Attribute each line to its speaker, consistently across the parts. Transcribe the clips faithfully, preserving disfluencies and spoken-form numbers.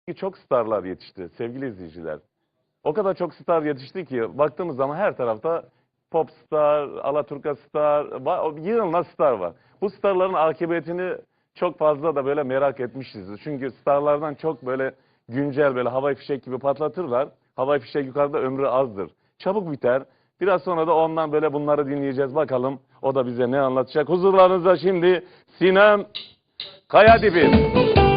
Speaker 1: Çok starlar yetişti sevgili izleyiciler. O kadar çok star yetişti ki baktığımız zaman her tarafta pop star, alaturka star, va- yığınla star var. Bu starların akıbetini çok fazla da böyle merak etmişiz. Çünkü starlardan çok böyle güncel böyle havai fişek gibi patlatırlar. Havai fişek yukarıda ömrü azdır. Çabuk biter. Biraz sonra da ondan böyle bunları dinleyeceğiz. Bakalım o da bize ne anlatacak. Huzurlarınızda şimdi Sinem Kayadibi.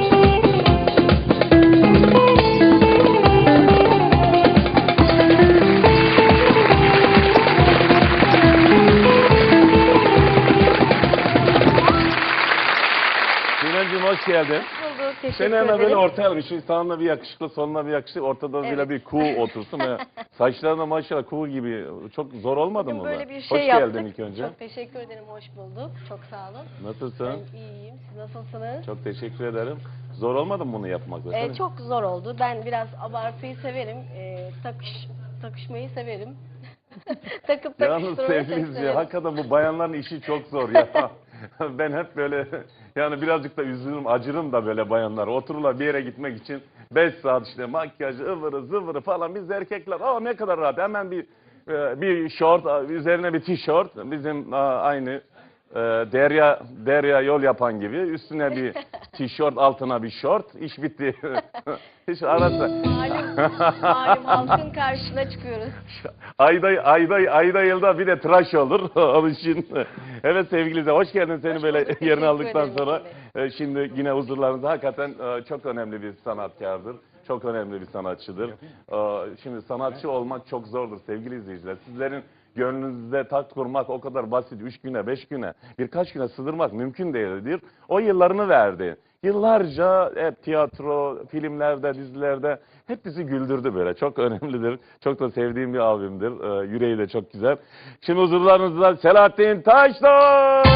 Speaker 1: Sinemciğim hoş geldin.
Speaker 2: Hoş bulduk, teşekkür
Speaker 1: Seni hemen
Speaker 2: ederim.
Speaker 1: böyle ortaya almış. Sağına bir yakışıklı, soluna bir yakışıklı, ortada
Speaker 2: Evet.
Speaker 1: böyle bir kuğu otursun. Ve saçlarına maşallah kuğu gibi. Çok zor olmadı
Speaker 2: Bugün
Speaker 1: mı?
Speaker 2: böyle
Speaker 1: bu?
Speaker 2: bir şey
Speaker 1: hoş
Speaker 2: yaptık.
Speaker 1: geldin ilk önce.
Speaker 2: Çok teşekkür ederim, hoş bulduk. Çok sağ olun.
Speaker 1: Nasılsın?
Speaker 2: Ben iyiyim, siz nasılsınız?
Speaker 1: Çok teşekkür ederim. Zor olmadı mı bunu yapmak?
Speaker 2: Ee, çok zor oldu. Ben biraz abartıyı severim. Ee, takış, takışmayı severim. Takıp
Speaker 1: Yalnız
Speaker 2: takıştırmayı çok
Speaker 1: sevgili
Speaker 2: severim.
Speaker 1: hakikaten bu bayanların işi çok zor ya. Ben hep böyle yani birazcık da üzülürüm, acırım da böyle bayanlar. Otururlar bir yere gitmek için beş saat işte makyajı, ıvırı zıvırı falan. Biz erkekler aa ne kadar rahat. Hemen bir e, bir şort, üzerine bir tişört. Bizim aa, aynı e, derya derya yol yapan gibi. Üstüne bir tişört, altına bir şort. İş bitti. Hiç arası.
Speaker 2: Malum, malum halkın karşısına çıkıyoruz.
Speaker 1: Ayda ayda ayda yılda bir de tıraş olur onun için. Evet sevgili izleyiciler, hoş geldin seni
Speaker 2: Hoş
Speaker 1: böyle
Speaker 2: bulduk,
Speaker 1: yerine
Speaker 2: teşekkür
Speaker 1: aldıktan
Speaker 2: ederim
Speaker 1: sonra.
Speaker 2: Emin
Speaker 1: e, Şimdi yine huzurlarınızda hakikaten e, çok önemli bir sanatkardır. Çok önemli bir sanatçıdır. E, Şimdi sanatçı olmak çok zordur sevgili izleyiciler. Sizlerin gönlünüzde tat kurmak o kadar basit. Üç güne, beş güne, birkaç güne sığdırmak mümkün değildir. O yıllarını verdi. Yıllarca hep tiyatro, filmlerde, dizilerde hep bizi güldürdü böyle. Çok önemlidir. Çok da sevdiğim bir abimdir. Ee, yüreği de çok güzel. Şimdi huzurlarınızda Selahattin Taşdağ.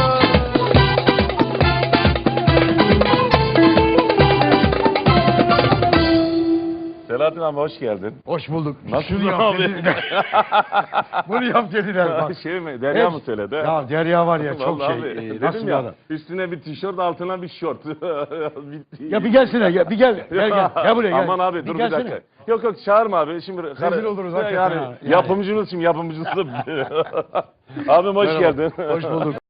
Speaker 1: Selahattin abi hoş geldin.
Speaker 3: Hoş bulduk.
Speaker 1: Nasılsın
Speaker 3: Şunu yap
Speaker 1: abi?
Speaker 3: dediler. Bunu yap dediler bak.
Speaker 1: Şey mi? Derya
Speaker 3: Hep-
Speaker 1: mı söyledi?
Speaker 3: Ya Derya var ya çok
Speaker 1: Vallahi
Speaker 3: şey.
Speaker 1: abi,
Speaker 3: e,
Speaker 1: dedim
Speaker 3: nasıl bir
Speaker 1: ya,
Speaker 3: adam?
Speaker 1: üstüne bir tişört altına bir şort. Bitti.
Speaker 3: Ya bir gelsene ya bir gel. Gel gel. Gel buraya gel.
Speaker 1: Aman abi dur bir
Speaker 3: gelsene.
Speaker 1: dakika. Yok yok çağırma abi. Şimdi
Speaker 3: Rezil oluruz
Speaker 1: yani,
Speaker 3: hakikaten ha, yani.
Speaker 1: Yapımcımız şimdi yapımcısı. Abim hoş
Speaker 3: Merhaba,
Speaker 1: geldin.
Speaker 3: Hoş bulduk.